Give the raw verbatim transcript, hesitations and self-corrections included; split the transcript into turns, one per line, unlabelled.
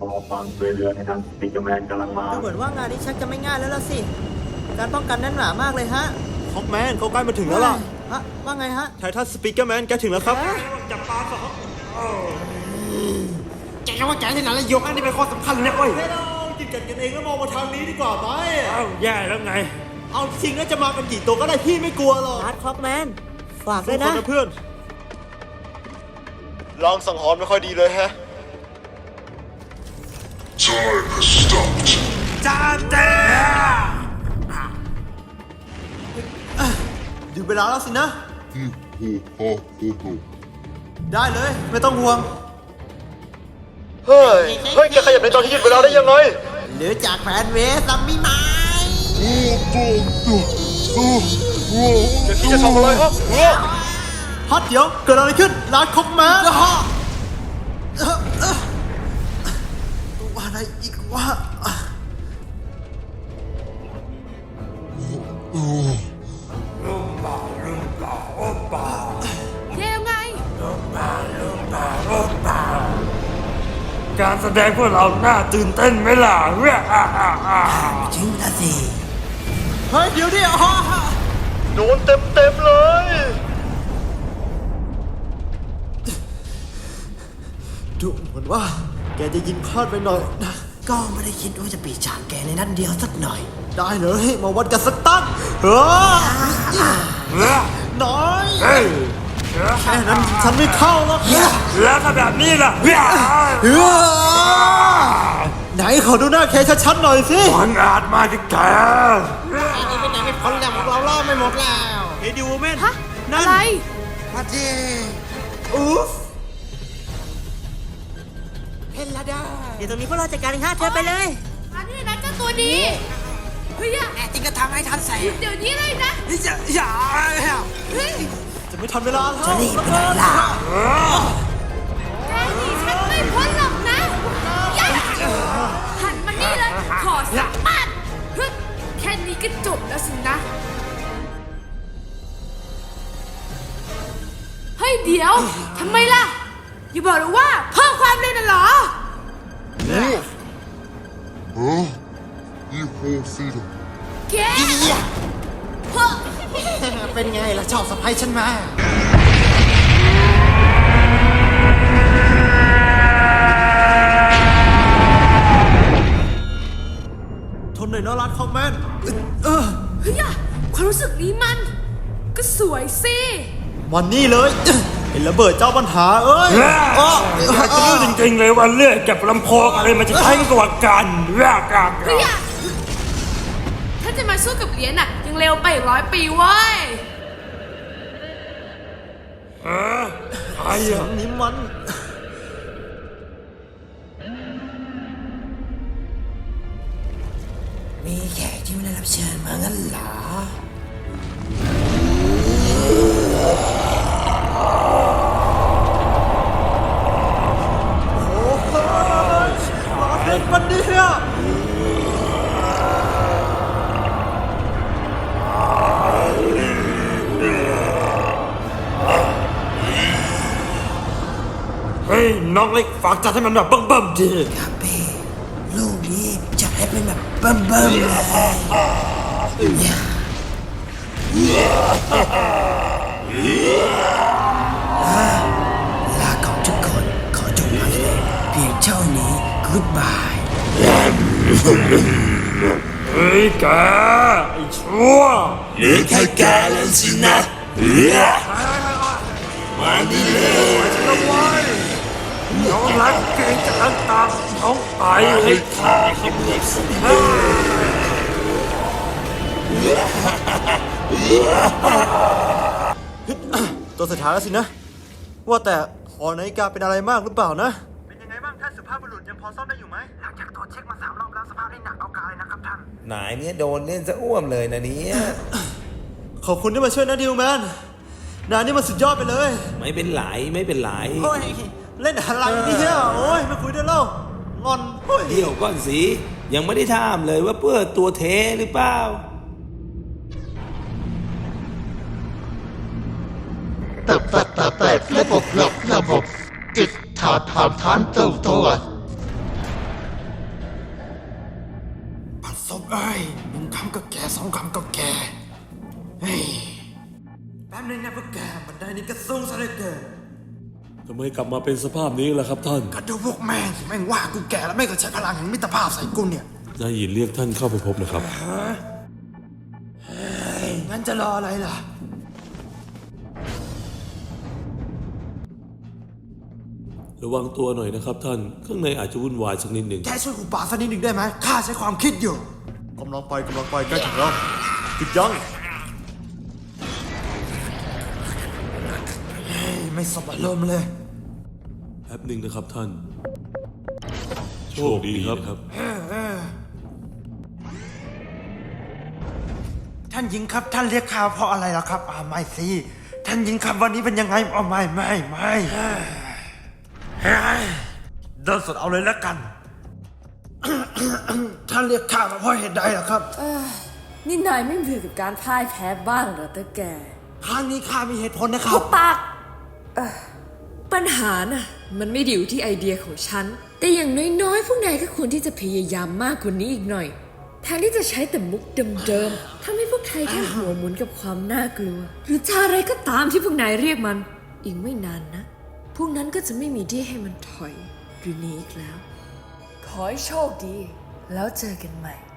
รอฟังช่วยเหลือในทางสปิกเกอร์แมนกำลังมา
ดูเหมือนว่างานนี้ชักจะไม่ง่ายแล้วล่ะสิการป้องกันแน่นหนามากเลยฮะ
ฮอกแมนเขาใกล้มาถึงแล้วล่ะ
ฮะว่าไงฮะ
ไททันสปีกเกอร์แมนแกถึงแล้วครับ
จับปลาสองแกว่าแกที่ไหนแล้วยกอันนี้เป็นข้อสำคัญเลยนะเว้ย
ให้เรากินกันกันเองแล้วมองมาทางนี้ดีกว่าไหม
เอ้าแย่แล้วไง
เอาจริงนะจะมากันกี่ตัวก็ได้พี่ไม่กลัวหรอก
ฮาร์ดคล็อกแมน ฝาก
ทุ
ด้ว
ก
ย
คน
นะ
นะเพื่อนลองสังหรณ์ไม่ค่อยดีเลยแฮะ
Time has stopped.
จานเต้
ถึงเวลาแล้วสินะ
Ho, ho, ho, ho.
ได้เลย ไม่ต้องห่วง เฮ้ย เฮ้ยแกขยับในตอนที่หยุดเวลาได้ยังไง
หรือจากแฟนเวสซัมมี่ไหม
แกคิดจะทำอะไรฮะฮัทเดี๋ยว เกิดอะไรขึ้นร้านคอกแมนตัวอะไรอีกวะ
เร็วไง
การแสดงพวกเราน่าตื่นเต้นไหมล่ะเว้ยอ่าอ่าอ่า
จริงนะสิ
เฮ้ย เดี๋ยวดิอ๋อโดนเต็มเต็มๆเลย ดูเหมือนว่า แกจะยิงพลาดไปหน่อยนะ
ก็ไม่ได้คิดว่าจะปีฉากแกในนัดเดียวสักหน่อย
ได้เลยมาวัดกันสักตั้งเฮ้ย
เฮ้ย
น้อย
เฮ้ย
แค่นั้นฉันไม่เข้าแล้ว
แล้วถ้าแบบนี้ล่ะเฮ้ย
เฮ้ยไหนขอดูหน้าแกชัดๆหน่อยสิ
มันอาจมาที่แก
ไอ้นี่เป็นยังไม่พ้นแล้วพวกเราล่อไม่หมดแล้ว
เฮ้ยดิวแมน
ฮะ อะไร
มาเจ
อุ๊ฟ
เพนลาดาเดี๋ยวตรงนี้พวกเราจัดการเองฮะเธอไปเลย
อันนี้นะเจ้าตัวนี้เฮ้ยอะ
แน่จริงก็ทำให้ทันใส่
เดี๋ยวนี้เลยนะ
อย่าอย่า
เฮ้ย
จะไม่ทันเวลาแล้ว
จะรีบไปไหนล่ะ
แกหนีฉันไม่พ้นหรอกนะอย่าหันมานี่เลย ขอสักปัดเฮ้ยแค่นี้ก็จบแล้วสินะ เฮ้ย เดี๋ยว ทำไมล่ะ อย่าบอกเลยว่าเพิ่มความเร็วน่ะเหรอ
Huh? You whole feeder.
แกเฮ้ย
เป็นไงล่ะชอบสะพายฉันมา
ทนหน่อยนะรัดคอกแมนเออ
เฮ้ยอะความรู้สึกนี้มัน ก็สวยสิ
วันนี้เลยเห็นระเบิดเจ้าปัญหาเอ้ย
อยากจะรู้จริงๆเลยว่าเลือดกับลำโพงอะไรมันจะแข็งกว่ากันเว้ยกัน
เฮ้ยอะถ้าจะมาสู้กับเหรียญน่ะ ยังเร็วไปอีกร้อยปีเว้ย
เออใคร
เสีย
อะ
งนี้มัน
มีแขกที่ไม่ได้รับเชิญมางั้นเหรอ
เด็กมันเนี่ย
เฮ้ยน้องเล็กฝากจัดให้มันแบบเบิ่มๆที
ครับพี่ลูกนี้จะให้เป็นแบบเบิ่มๆเลยเนี่ยลาของทุกคนขอจบมาเลยเพียงเท่านี้ goodbye
เฮ้ยแกไอ้ชั่ว
เหลือแค่แกแล้วสินะมานี่เลย
น้องรักเก่งจากอันตามน้องไปให้ตายครับเฮ้ย
ตัวสุดท้ายแล้วสินะ ว่าแต่หอนาฬิกาเป็นอะไรมากหรือเปล่านะ เป็นยังไงบ้างท่านสุภาพบุรุษยังพอซ่อมได้อยู่ไหมหลังจากตรวจเช็คมาสามรอบแล้วสภาพได้หนักเอาการเลยนะครับท่าน
นายเนี่ยโดนเล่นซะอ้วมเลยนะเนี่ย
ขอบคุณที่มาช่วยนะดิวแมนนายนี่มันสุดยอดไปเลย
ไม่เป็นไรไม่เป็นไร
โอ้ยเล่นอะไรเนี่ยโอ้ยไม่คุยได้แล้วงอนโอ้ย
เดี๋ยวก่อนสิยังไม่ได้ถามเลยว่าเพื่อตัวเทหรือเปล่า
ตับตับตับตับระบบระบบระบบจิตถอดถอนถอนตัวตัว
กเอ้ยหนึ่งคำก็แก่สองคำก็แก่เฮ้ยแป๊บนึงนะพวกแกบันไดนี้ก็สูงซะเหลือเกิน
ทำไมกลับมาเป็นสภาพนี้ล่ะครับท่าน
ก็ดูพวกแม่งสิแม่งว่ากูแก่แล้วแม่งก็ใช้พลังแห่งมิตรภาพใส่กูเนี่ย
นายหยินเรียกท่านเข้าไปพบนะครับ
เฮ้ยงั้นจะรออะไรล่ะ
ระวังตัวหน่อยนะครับท่าน ข้างในอาจจะวุ่นวายสักนิดหนึ่ง
แกช่วยกูป่าสักนิดหนึ่งได้ไหมข้าใช้ความคิดอยู่
กำลังไปกำลังไปใกล้ถึงแล้วหยุดยั้ง
เฮ้ยไม่สบอารมณ์เลย
แป๊บหนึ่งนะครับท่าน โชคดีครับ
ท่านหญิงครับท่านเรียกข้าเพราะอะไรล่ะครับอ่าไม่สิท่านหญิงครับวันนี้เป็นยังไงอ๋อไม่ไม่ไม่เฮ้ยเดินสดเอาเลยแล้วกัน ท่านเรียกข้ามาเพราะเหตุใดล่ะครับ
นี่นายไม่เบื่อกับการพ่ายแพ้บ้างเหรอตะแก
ครั้งนี้ข้ามีเหตุผลนะครั
หุ
บบ
ปากเอ่อปัญหาน่ะ มันไม่ได้อยู่ที่ไอเดียของฉัน แต่อย่างน้อยๆ พวกนายก็ควรที่จะพยายามมากกว่านี้อีกหน่อย แทนที่จะใช้แต่มุกเดิมๆทำให้พวกไทยแค่หัวหมุนกับความน่ากลัว หรือจะอะไรก็ตามที่พวกนายเรียกมัน อีกไม่นานนะ พวกนั้นก็จะไม่มีที่ให้มันถอยหรือหนีอีกแล้ว ขอให้โชคดี แล้วเจอกันใหม่